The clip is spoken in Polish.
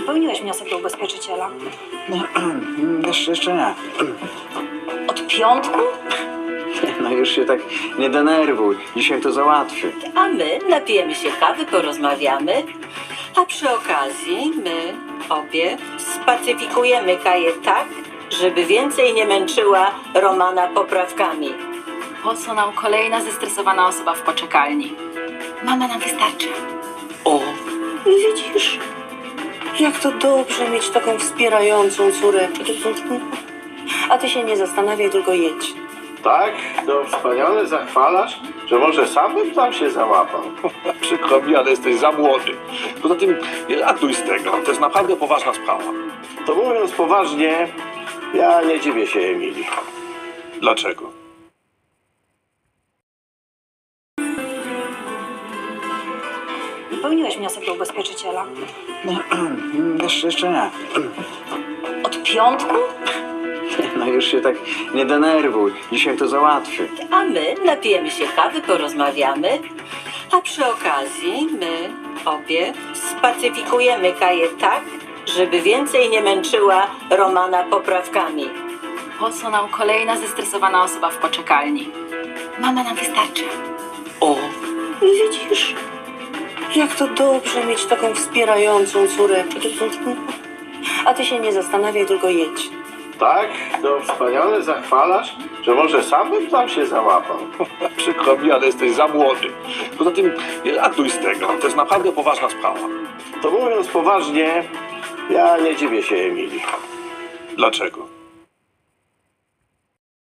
Wypełniłeś wniosek do ubezpieczyciela. Jeszcze nie. Od piątku? No już się tak nie denerwuj. Dzisiaj to załatwię. A my napijemy się kawy, porozmawiamy, a przy okazji my obie spacyfikujemy Kaję tak, żeby więcej nie męczyła Romana poprawkami. Po co nam kolejna zestresowana osoba w poczekalni? Mama nam wystarczy. O, widzisz? Jak to dobrze mieć taką wspierającą córeczkę. A ty się nie zastanawiaj, tylko jedź. Tak? To wspaniale zachwalasz, że może sam bym tam się załapał. Przykro mi, ale jesteś za młody. Poza tym nie ratuj z tego. To jest naprawdę poważna sprawa. To mówiąc poważnie, ja nie dziwię się Emilii. Dlaczego? Wypełniłeś wniosek do ubezpieczyciela. Jeszcze nie. Od piątku? No już się tak nie denerwuj. Dzisiaj to załatwię. A my napijemy się kawy, porozmawiamy, a przy okazji my obie spacyfikujemy Kaję tak, żeby więcej nie męczyła Romana poprawkami. Po co nam kolejna zestresowana osoba w poczekalni? Mama nam wystarczy. O, widzisz? Jak to dobrze mieć taką wspierającą córeczkę. A ty się nie zastanawiaj, tylko jedź. Tak? To wspaniale zachwalasz, że może sam bym tam się załapał. Przykro mi, ale jesteś za młody. Poza tym nie ratuj z tego. To jest naprawdę poważna sprawa. To mówiąc poważnie, ja nie dziwię się Emilii. Dlaczego?